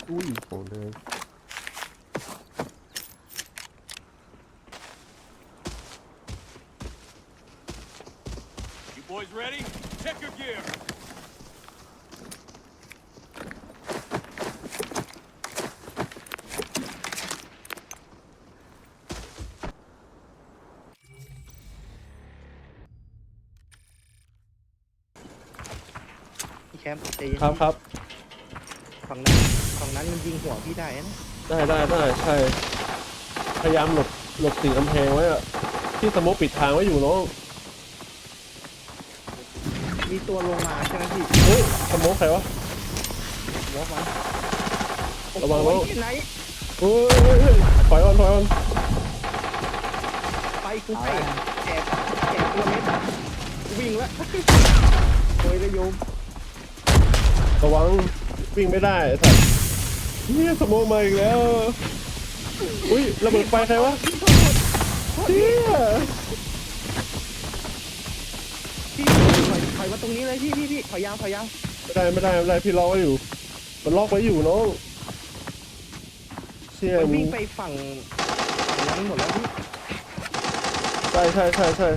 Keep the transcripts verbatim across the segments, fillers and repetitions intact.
อุ้ยโหเลย You boys ready? Check your gear. พี่แชมป์ใจเย็นครับครับฝั่งนั้นฝั่งนั้นมันยิงหัวพี่ได้นะได้ได้ได้ใช่พยายามหลบหลบติดกำแพงไว้อะที่สโมกปิดทางไว้อยู่น้องมีตัวลงมาใช่ไหมพี่เฮ้ยสโมกใครวะวอล์กมันระวังโอ้ระวังยที่ไหนเฮ้ยเฮ้ยเฮ้ยถอยก่อนถอยก่อนไปกูไปแจกแจกตัวเม็ดวิ่งแล้วโอยระยมระวังวิ่งไม่ได้ไอ้สัตว์เนี่ยสโมกมาอีกแล้วอุ้ยระเบิดไฟใครวะเชี่ยพี่ถอยถอยมาตรงนี้เลยพี่พี่พี่ถอยยาวถอยยาวไม่ได้ไม่ได้ไม่ได้พี่ล็อกไว้อยู่มันล็อกไว้อยู่น้องเชี่ยมันมึวิ่งงไปฝั่งฝั่งนั้นหมดแล้วพี่ใช่ใช่ใช่ใช่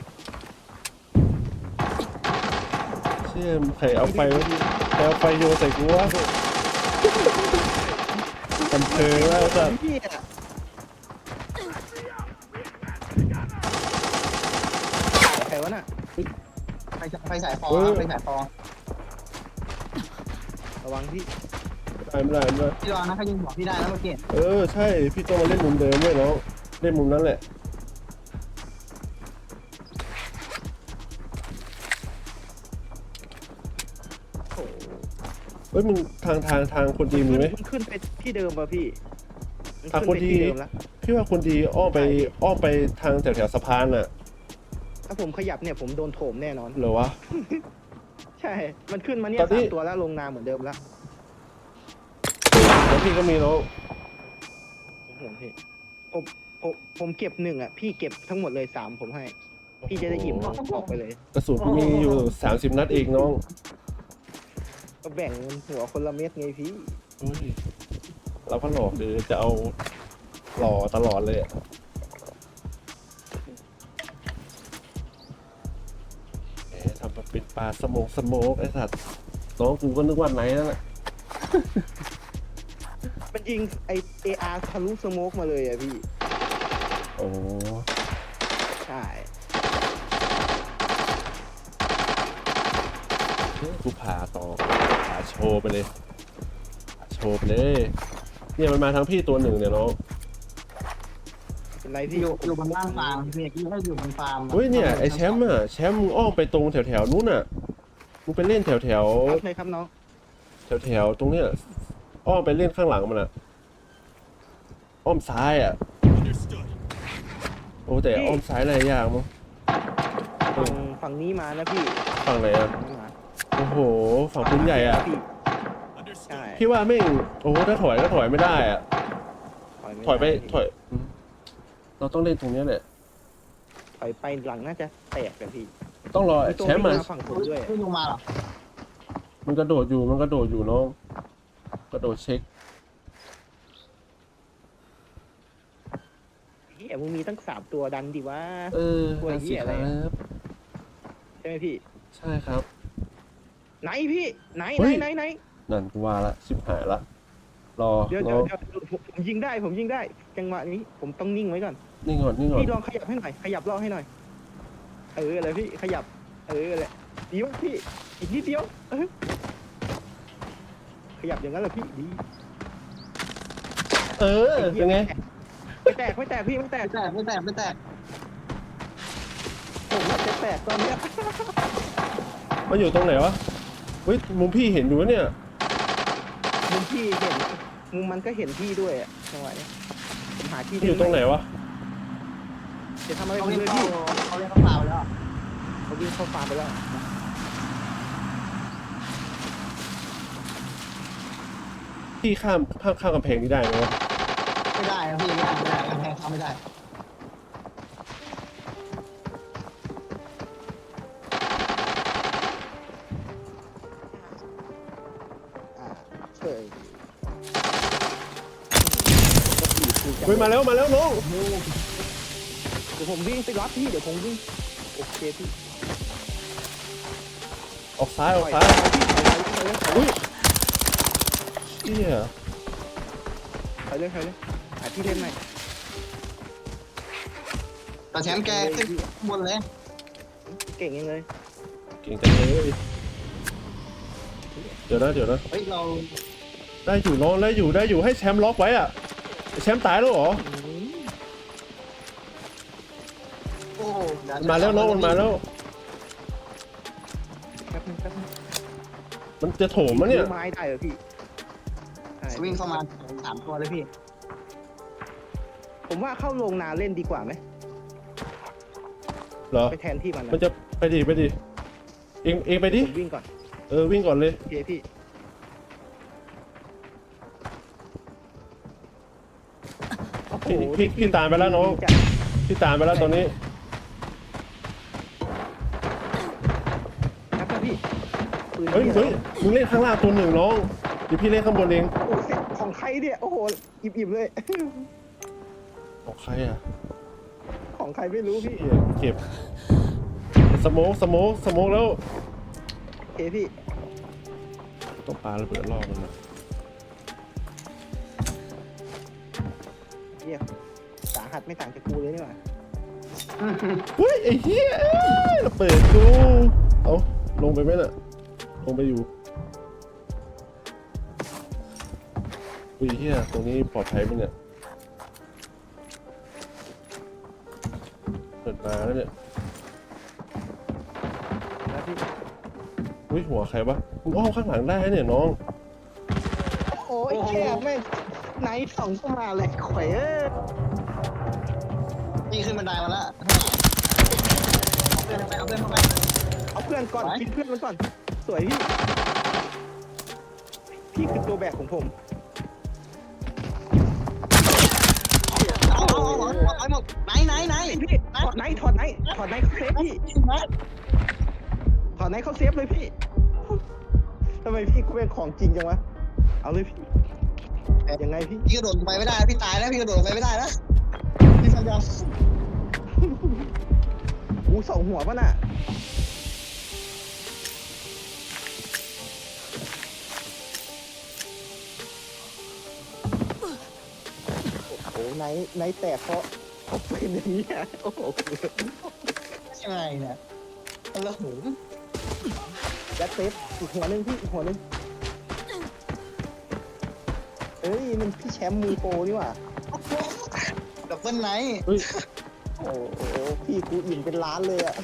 เชี่ยมใครเอาไฟใครเอาไฟโยนใส่กูวะกันเพลิงแล้วสัตว์พี่อะใครวะน่ะไฟไฟสายฟอครับไฟสายฟอระวังพี่ไม่ได้ไม่ได้ไม่ได้พี่รอนะเขายิงหัวพี่ได้แล้วเมื่อกี้เออใช่พี่ต้องมาเล่นมุมเดิมด้วยเนาะเล่นมุมนั้นแหละเฮ้ยมึงทางทางทางคนดีมีไหมมันขึ้นไปที่เดิมป่ะพี่มันทางขึ้นคนไปดีที่เดิมแล้วพี่ว่าคนดีอ้อมไปอ้อมไปทางแถวแถวสะพานน่ะถ้าผมขยับเนี่ยผมโดนโถมแน่นอนเหรอวะใช่ มันขึ้นมาเนี่ยตอนนี้สามตัวแล้วลงนาเหมือนเดิมแล้วแล้วพี่ก็มีแล้วผมห่วงพี่ผมผมผมเก็บหนึ่งอ่ะ พี่เก็บทั้งหมดเลยสามผมให้ พี่จะได้อิ่มออกไปเลยกระสุนกูมีอยู่สามสิบนัดเองน้องก็แบ่งหัวคนละเม็ดไงพี่เฮ้ยเราก็หลอกหรือจะเอาหล่อตลอดเลยอะแหมทำมาเป็นปลาสโมกสโมกไอ้สัตว์น้องกูก็นึกว่าไหนนั่นแหละมันยิงไอเออาร์ทะลุสโมกมาเลยอ่ะพี่โอ้ใช่กูผ่าต่อผ่าโชว์ไปเลยผ่าโชว์ไปเลยเนี่ยมันมาทั้งพี่ตัวหนึ่งเนี่ยน้องเป็นไรอพี่ยู่อยู่บนล่างฟาร์มพี่พี่ให้อยู่บนฟาร์มเฮ้ยเนี่ยไอแชมป์อะแชมป์มึงอ้อมไปตรงแถวแถวๆนู้นอะมึงไปเล่นแถวแถวครับเลยครับน้องแถวแถวๆตรงเนี้ยอ้อมไปเล่นข้างหลังมันอะอ้อมซ้ายอะ Understood. โอ้แต่อ้อมซ้ายอะไรยากมั้งฝั่งฝั่งนี้มานะพี่ฝั่งไหนอะฝั่งนี้มาโอ้โหฝั่งพื้นใหญ่อะพี่ใช่ Understood. พี่ว่าแม่งโอ้โหถ้าถอยก็ถอยไม่ได้อะม่ถอยไปด้ถอยอืมเราต้องเล่นตรงเนี้ยแหละถอยไปหลังน่าจะแตกกันพี่ต้องรอมีตัวแชมป์มาวิ่งฝั่งผมด้วยไม่ลงมาหรอมันกระโดดอยู่มันกระโดดอยู่น้องกระโดดเช็คเฮียมึงมีตั้งสามตัวดันดิวะเออตัวเหี้ยอะไรคอะรับใช่ไหมพี่ใช่ครับไหนพี่ไหนเฮ้ไหนยไหนไหนนั่นกูว่าละชิบหายละรอเดี๋ยวรเดี๋ยอวเดี๋ยวผมผมยิงได้ผมยิงได้ จังหวะนี้ผมต้องนิ่งไว้ก่อนนี่ก่อนนี่ก่อนพี่ลองขยับให้หน่อยขยับล่อให้หน่อยเอออะไรพี่ขยับเอออะไรดีวะพี่อีกนิดเดียวเออขยับอย่างนั้นแหละพี่ดีเออเป็นไงไม่แตกไม่แตกพี่ไม่แตกไม่แตกไม่แตกไม่แตกผมว่าจะแตกตอนเนี้ยมันอยู่ตรงไหนวะเฮ้ยมุมพี่เห็นอยู่วะเนี่ยมุมพี่เห็นมุมมันก็เห็นพี่ด้วยอะจังหวะเนี้ยผมหาที่มันอยู่ตรงไหนวะจะทำอะไรเขาผมเรียเลกยเข้าพี่เขาเรียกเข้าฟาร์มแล้วเขาวิ่งเข้าฟาร์มไปแล้วพี่ข้ามข้ามข้ามกำแพงนี้ได้ไหมวะไม่ได้นะพี่ไม่ได้ไม่ได้กำแพงเข้าไม่ได้อ่าเฉยเฮ้ยมาแล้วมาแล้วน้องเดี๋ยวผมวิ่งไปรับพี่เดี๋ยวผมวิ่งโอเคพี่ออกซ้ายอถออก ยซ้ายถอยเลยถอยเลยอุ้ยเฮียถอยเลยถอยเลยหาที่เล่นใหม่แต่แชมป์แกขึ้นข้างบนเลยเก่งยังเลยเก่งจังเลยเดี๋ยวนะเดี๋ยวนะเฮ้ยเราได้อยู่น้องได้อยู่ได้อยู่ให้แชมป์ล็อกไว้อะแชมป์ตายแล้วเหรอโอ้เดี๋ยมันมาแล้วน้องมันมาแล้วแป๊บนึงแป๊บนึงมันจะโถมมะเนี่ยซื้อไม้ได้เหรอพี่ใช่วิ่งเข้ามาสามตัวเลยพี่ผมว่าเข้าโรงนาเล่นดีกว่าไหมเหรอไปแทนที่มันนะมันจะไปดิไปดิเองเองไปดิผมวิ่งก่อนเออวิ่งก่อนเลยโอเคพี่โอ้โหพี่พี่พี่ตามไปแล้วน้องจัดพี่ตามไปแล้วตอนนี้ครับพี่ปืนเฮ้ยนี่เฮ้ยมึงเล่นข้างล่างตัวหนึ่งน้องเดี๋ยวพี่เล่นข้างบนเองโอ้โหเซ็ตของใครเนี่ยโอ้โหอิ่มๆเลยของใครอ่ะของใครไม่รู้พี่เหี้ยเก็บสโมกสโมกสโมกแล้วโอเคพี่ต้องปาระเบิดรอบมันนะเฮียสาหัสไม่ต่างจากกูเลยนี่หว่าเฮ้ยไอ้เหี้ยเอ้ยระเบิดกูเอาลงไปไหมน่ะลงไปอยู่อุ้ยเหี้ยตรงนี้ปลอดภัยไหมเนี่ยเปิดมาแล้วเนี่ยแล้วพี่อุ้ยหัวใครวะมึงอ้อมข้างหลังได้เนี่ยน้องโอ้ยแค่แม่งไหนสองก็มาเลยข่อยเอ้ยนี่ขึ้นบันไดมาแล้วเอาเพื่อนเข้าไปเอาเพื่อนเข้าไปเอาเพื่อนก่อนไหนกินเพื่อนมันก่อน สวยพี่ พี่คือตัวแบกของผมเอาเอาเอาเอาไปหมดไหนไหนไหนพี่ถอดไนท์ถอดไนท์ถอดไนท์เขาเซฟพี่ถอดไนท์เขาเซฟเลยพี่ทำไมพี่กูเป็นของจริงจังวะเอาเลยพี่ยังไงพี่พี่กระโดดลงไปไม่ได้พี่ตายแล้วพี่กระโดดลงไปไม่ได้นะพี่ฟังยังกูสองหัวป่ะน่ะโอ้โหไนท์ไนท์แตกเพราะเขาเป็นอย่างนี้อ่ะโอ้โหยังไงเนี่ยแล้วหูยัดเซฟอีกหัวหนึงพี่อีกหัวหนึงเอ้ยมันพี่แชมป์มือโปรนี่หว่าดับเบิลไนท์เฮ้ยโอ้โหพี่กูอิ่มเป็นล้านเลยอ่ะ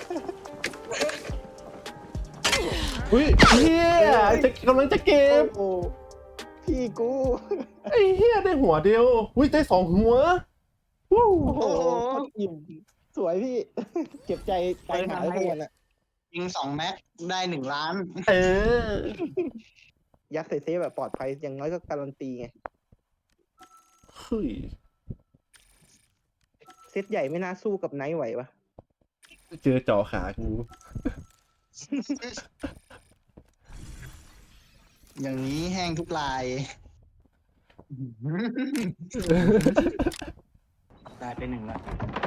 อุ้ยเฮียจะกำลังจะเก็บโอ้โหพี่กูไอ้เฮียได้หัวเดียวอุ้ยได้สองหัววู้โอ้โหโคตรอิ่มสวยพี่ เก็บใจใจหายไปหมดอ่ะยิงสองแม็กได้หนึ่งล้านเออยัดใส่เซฟแบบปลอดภัยอย่างน้อยก็การันตีไงเฮ้ยเซตใหญ่ไม่น่าสู้กับไนท์ไหวปะเจอจ่อขากูอย่างนี้แห้งทุกลายตายไปหนึ่งละ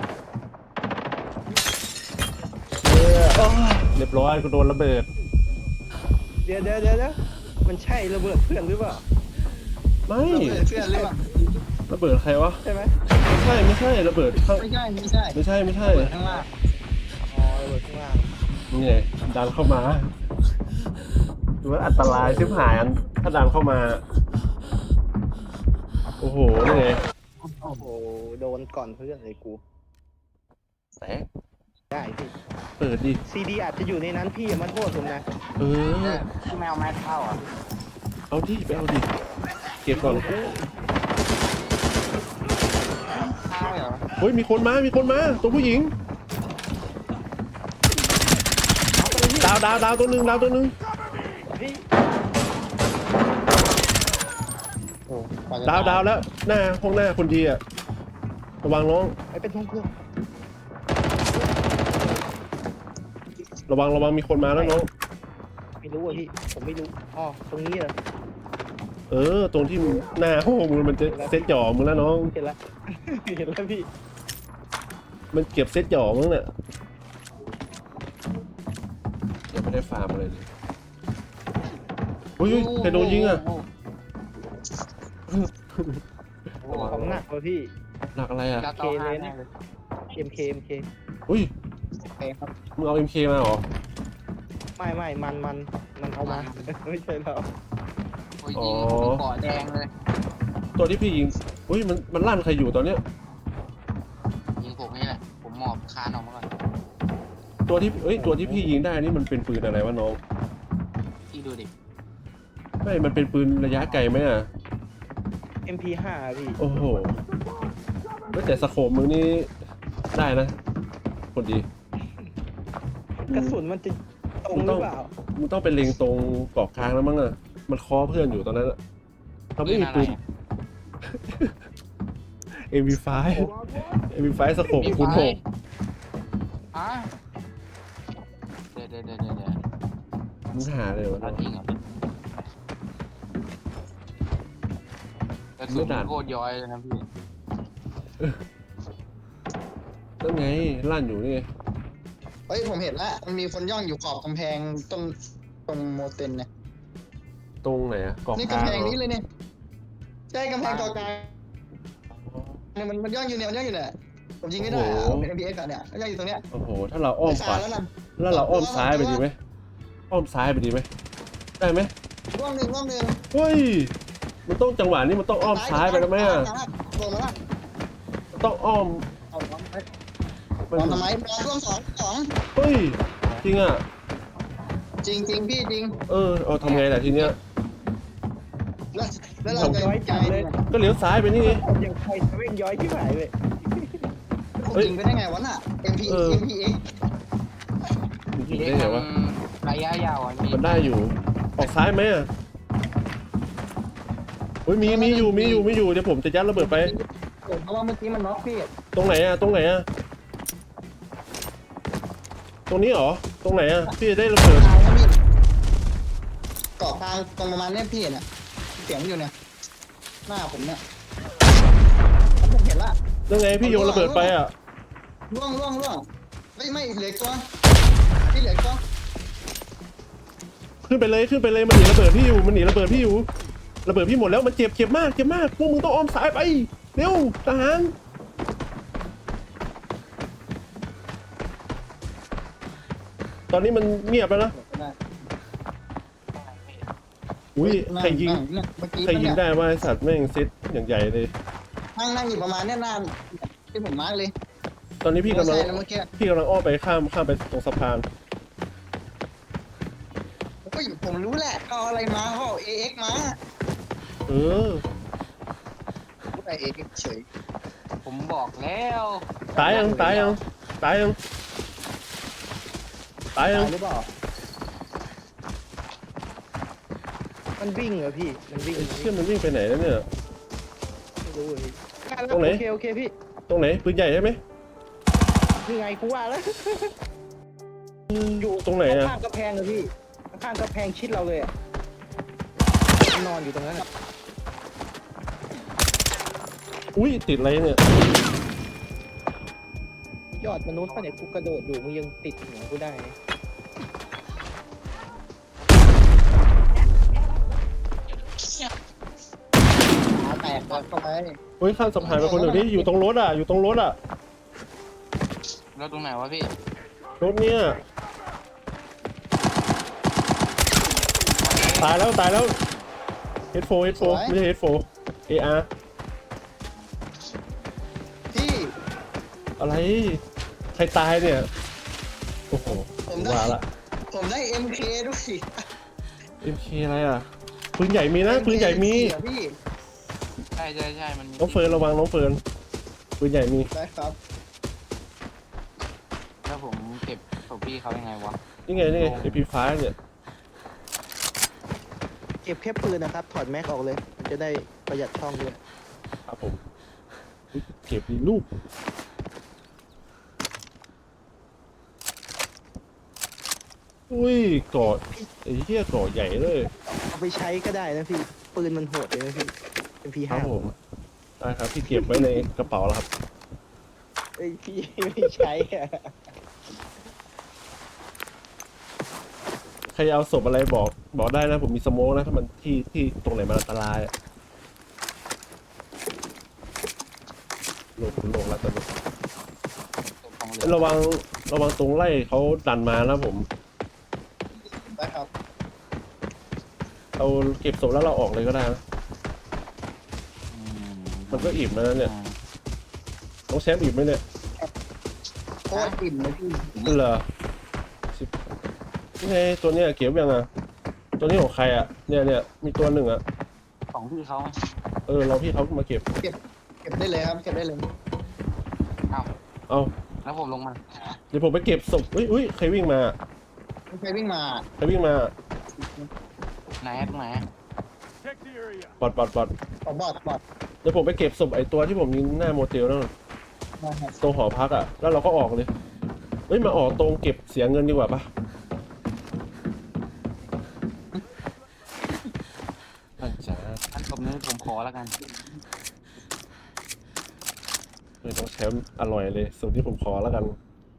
เรียบร้อยกูโดนระเบิดเดี๋ยวเดี๋ยวเดี๋ยวเดี๋ยวมันใช่ระเบิดเพื่อนหรือเปล่าไม่เพื่อนหรือเปล่าระเบิดใครวะใช่ไหมไม่ใช่ไม่ใช่ระเบิดข้างไม่ใช่ไม่ใช่ไม่ใช่ไม่ใช่เปิดข้างล่างอ๋อระเบิดข้างล่างนี่ไงดันเข้ามาดูว่าอันตรายชิบหายอันถ้าดันเข้ามา โอ้โหนี่ไงโอ้โหโดนก่อนเพื่อนเลยกูแสงได้พี่เปิดดิซีดีอาจจะอยู่ในนั้นพี่อย่ามาโทษผมนะเออแมวแม็กเข้าอ่ะเอาดิไปเอาดิเก็บก่อนเข้าเหรอเฮ้ยมีคนมามีคนมาตัวผู้หญิงเอาไปเลยพี่ดาวดาวดาวตัวหนึ่งดาวตัวหนึ่งพี่โอ้กว่าจะดาวดาวแล้วหน้าห้องหน้าคนดีอะระวังน้องไปเป็นทงเครื่องระวังระวังมีคนมาแล้วน้องไม่รู้อ่ะพี่ผมไม่รู้อ๋อตรงนี้เหรอเออ ตรงที่มึงหน้าห้องมึงมันจะเซ็ตหย่อมึงแล้วน้องเห็นแล้ว เห็นแล้วพี่มันเก็บเซ็ตหย่อมึงเนี่ยยังไม่ได้ฟาร์มเลยดิอุ้ยใครโดนยิงอ่ะโอ้โหของหนักเลยพี่หนักอะไรอ่ะเก้าเก้าห้าแน่เลยเอ็มเคเอ็มเคอุ้ยโอเคครับมึงเอา เอ็ม เค มาเหรอไม่ไม่มันมันมันเอามา ไม่ใช่เราโอ้ยยิงผมเป็นเกาะแดงเลยตัวที่พี่ยิงอุ้ยมันมันลั่นใครอยู่ตอนเนี้ยยิงผมนี่แหละผมหมอบคานออกมาก่อนตัวที่เอ้ยตัวที่พี่ยิงได้นี่มันเป็นปืนอะไรวะน้องพี่ดูดิไม่มันเป็นปืนระยะไกลไหมอ่ะเอ็มพีห้าพี่โอ้โหแล้วแต่สโคปมึงนี่ได้นะคนดีกระสุนมันจะตรงหรือเปล่ามึงต้องเป็นเล็งตรงเกาะกลางแล้วมั้งอ่ะมันเคอเพื่อนอยู่ตอนนั้นอ่ะเราไม่มีปืน เอ็ม วี ไฟว์ เอ็ม วี ไฟว์ สโคปคูณหกอ่ะเดี๋ยวเดี๋ยวเดี๋ยวเดี๋ยวเดี๋ยวมึงหาเลยวะเราจริงเหรอกระสุนโคตรย้อยเลยนะพี่นั่นไงลั่นอยู่นี่ไงเฮ้ยผมเห็นแล้วมันมีคนย่องอยู่ขอบกำแพงต้นตรงโมเตนเนี่ยตรงไหนอ่ะเกาะนี่กลางกำแพงเหรอนี้เลยเนี่ยใช่กำแพงเกาะกลางเนี่ยมันมันย่องอยู่เนี่ยมันย่องอยู่เนี่ยผมยิงไม่ได้อะผมเป็น เอ็ม พี เอ็กซ์ อะเนี่ยมันย่องอยู่ตรงเนี้ยโอ้โหถ้าเราอ้อมขวาแล้วนะแล้วเราอ้อมซ้ายไปดีไหมอ้อมซ้ายไปดีไหมได้ไหมร่วงหนึ่งร่วงหนึ่งเฮ้ยมันต้องจังหวะนี้มันต้องอ้อมซ้ายไปแล้วไหมอ่ะลงมาละมันต้องอ้อมเอาลงไปมันลองทำไมลองร่วงสองสองเฮ้ยจริงอ่ะจริงจริงพี่จริงเออเอาทำไงล่ะทีเนี้ยแล้วแล้วเราจะใจเนี่ยก็เลี้ยวซ้ายไปนี่ไงยังใครจะเว่งย้อยที่ไหนเลยผมยิงไปได้ไงวะน่ะ เอ็ม พีเออเอ็ม พี เอ็กซ์มันยิงเด็กได้ไงมัวะนระยะยาวอ่ะมีมันได้อยู่ออกซ้ายไหมอ่ะเฮ้ยมีมีอยู่มีอยู่มีอยู่เดี๋ยวผมจะยัดระเบิดไปเพราะว่าเมื่อกี้มันน็อกพี่ตรงไหนอ่ะตรงไหนอ่ะตรงนี้เหรอตรงไหนอ่ะพี่จะได้ระเบิดกลางนะพี่เกาะกลางตรงประมาณเนี้ยพี่เนี่ยเสียงอยู่เนี่ยหน้าผมเนี่ยผมเห็นละยังไงพี่โยนระเบิดไปอ่ะล่วงล่วงล่วงไม่ไม่เหลืออกตัวพี่เหลืออกตัวขึ้นไปเลยขึ้นไปเลยมันหนีระเบิดพี่อยู่มันหนีระเบิดพี่อยู่ระเบิดพี่หมดแล้วมันเจ็บเจ็บมากเจ็บมากพวกมึงต้องอ้อมซ้ายไปเร็วทหารตอนนี้มันเงียบแล้วนะอุ้ยใครยิงนั่เมื่อกี้ใครยิงเนี่ยได้ว่าไอสัตว์แม่งเซตอย่างใหญ่เลยนั่งนั่งอยู่ประมาณเนี้ยนานที่ผมมาร์กเลยตอนนี้พี่กำลังใช่แล้วเมื่อกี้พี่กำลังอ้อมไปข้ามข้ามไปตรงสะพานโอ้ยผมรู้แหละเขาเอาอะไรมาเขาเอา เอ เอ็กซ์ มาเออพูดไอเอ็กซ์เฉยผมบอกแล้วตายยังตายยังตายยังตายยัตาง ยหรือเปล่า มันวิ่งเหรอพี่ มันวิ่งไอ้เชี่ยมันวิ่งไปไหนแล้วเนี่ยไม่รู้เลยตรงไหนโอเคโอเคพี่ตรงไหนปืนใหญ่ใช่ไหมยังไงกูว่าแล้ว อยู่ตรงไหนอะข้างๆกระแพงเลยพี่ ข้างๆกระแพงชิดเราเลยอ่ะนอนอยู่ตรงนั้นอะอุ้ยติดอะไรเนี่ยยอดมนุษย์ปะเนี่ยกูกระโดดอยู่มึงยังติดหัวกูได้ขาแตกเข้าไปเฮ้ยข้ามสะพานไปคนเดียวนี่อยู่ตรงรถอ่ะอยู่ตรงรถอ่ะแล้วตรงไหนวะพี่รถเนี่ยตายแล้วตายแล้วเฮดโฟเฮดโฟไม่ใช่เฮดโฟเออาร์พี่อะไรใครตายเนี่ยโอ้โหผมได้ว่าละผมได้ เอ็ม เค ด้วยเอ็มเคอะไรอ่ะปืนใหญ่มีนะปืนใหญ่มีเสียพี่ใช่ใช่ใช่มันมีน้องเฟิร์นระวังน้องเฟิร์นปืนใหญ่มีได้ครับแล้วผมเก็บศพพี่เขายังไงวะนี่ไงนี่ไงเอพีไฟเนี่ยเก็บแค่ปืนนะครับ ถอดแม็กออกเลย มันจะได้ประหยัดช่องด้วยครับผมอุ๊ยเก็บดีลูกอุ้ยเกาะไอ้เหี้ยเกาะใหญ่เลยเอาไปใช้ก็ได้นะพี่ปืนมันโหดเลยนะพี่ เอ็ม พีครัห้าบผมได้ครับพี่เก็บไว้ในกระเป๋าแล้วครับเอ้ยพี่ไม่ใช้อะใครเอาศพอะไรบอกบอกได้นะผมมีสโมกนะถ้ามันที่ที่ตรงไหนมันอันตรายอะโลกโลกแล้วตอนนี้ตัวของเหลือระวังระวังตรงไล่เขาดันมานะผมได้ครับเราเก็บศพแล้วเราออกเลยก็ได้นะอืมันก็อิ่มแล้วนะเนี่ยต้องแชมป์อิ่มไหมเนี่ยโคตรอิ่มเลยพี่นี่เหรอสิบนี่ไงตัวเนี้ยเก็บยังอ่ะตัวนี้ของใครอ่ะเนี่ยเนี่ยมีตัวหนึ่งอ่ะของพี่เขาเออเราพี่เขามาเก็บเก็บได้เลยครับเก็บได้เลยเอ้าเอาแล้วผมลงมาเดี๋ยวผมไปเก็บศพอุ้ยอุ้ยใครวิ่งมาใครวิ่งมาใครวิ่งมาไหนตรงไหน Check the area. ปอดปอดปอดขอบอดบอดเดี๋ยวผมไปเก็บศพไอ้ตัวที่ผมยิงหน้าโมเตลนั่นน่ะนะครับตรงหอพักอ่ะแล้วเราก็ออกเลยเฮ้ยมาออกตรงเก็บเสียเงินดีกว่าปะอาจารย์อันผมนี้ผมขอแล้วกันเออต้องแชมป์อร่อยเลยสูตรที่ผมขอแล้วกัน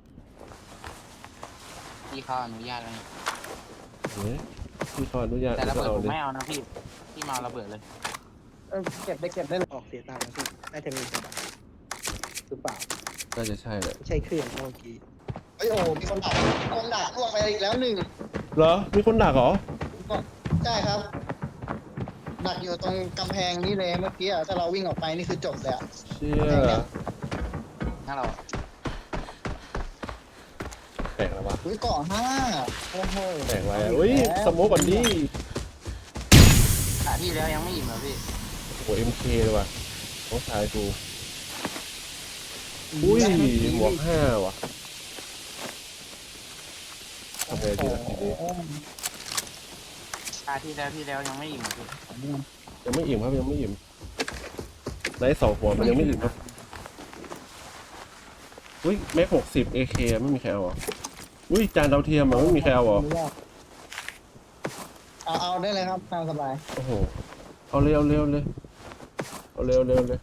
พี่เขาอนุญาตแล้วนี่เฮ้ยพี่เขาอนุญาตแต่ระก็เบิดเอาผมเลยไม่เอานะพี่พี่มาเอาระเบิดเลยเออเก็บได้เก็บได้เลยออกเสียตังค์นะพี่น่าจะมีกระบะหรือเปล่าน่าจะใช่แหละไม่ใช่เครื่องเมื่อกี้เฮ้ยโอ้มีคนดักคนดักล่วงไปอีกแล้วหนึ่งเหรอมีคนดักเหรอใช่ครับ ดักอยู่ตรงกำแพงนี้เลยเมื่อกี้อะถ้าเราวิ่งออกไปนี่คือจบเลยอะเชี่ยถ้าเราแปลกแล้ววะอุ้ยเกาะห้าโอ้โหแปลกไว้อะอุ้ยสโมกก่อนดิขาที่แล้วยังไม่อิ่มเหรอพี่โอ้เอ็มเคเลยว่ะต้องชายกูอุ้ยหมวกห้าว่ะทำไงดีล่ะทีนี้โอ้โหขาที่แล้วที่แล้วยังไม่อิ่มเหรอพี่ยังไม่อิ่มครับยังไม่อิ่มไลท์สองหัวมันยังไม่อิ่มครับอุ้ยแม็กหกสิบเอเคไม่มีใครเอาเหรออุ้ยจานดาวเทียมอ่ะไม่มีใครเอาเหรอเอาเอาได้เลยครับตามสบายโอ้โหเอาเร็วเร็วเลยเอาเร็วเร็วเลย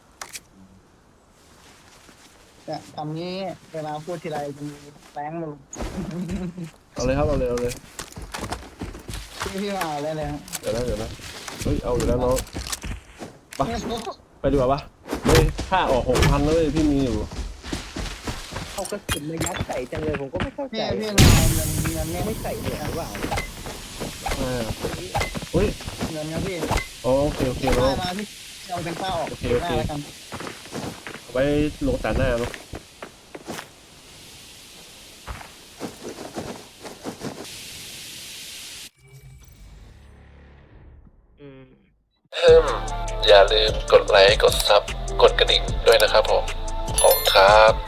เนี่ยคำนี้เวลาพูดทีไรจะมีแรงมาเอาเลยครับเอาเลยเอาเลยพี่พี่มาเอาได้เลยครับเดี๋ยวนะเดี๋ยวนะเฮ้ยเอาอยู่แล้วน้องไปไปดีกว่าปะเฮ้ยค่าออกหกพันเลยพี่มีอยู่เอากระสุนมายัดใส่จังเลยผมก็ไม่เข้าใจพี่พี่มาเอาเงินเงินไม่เนี่ยไม่ใส่เหรียญหรือเปล่าอ่าเฮ้ยเงินครับพี่อ๋อโอเคโอเคได้เนาะมาพี่เอาเป็นข้าวออกโอเคโอเคได้แล้วกันเอาไว้ลงตาหน้าเนาะอืมอย่าลืมกดไลค์กดซับกดกระดิ่งด้วยนะครับผมขอบคุณครับ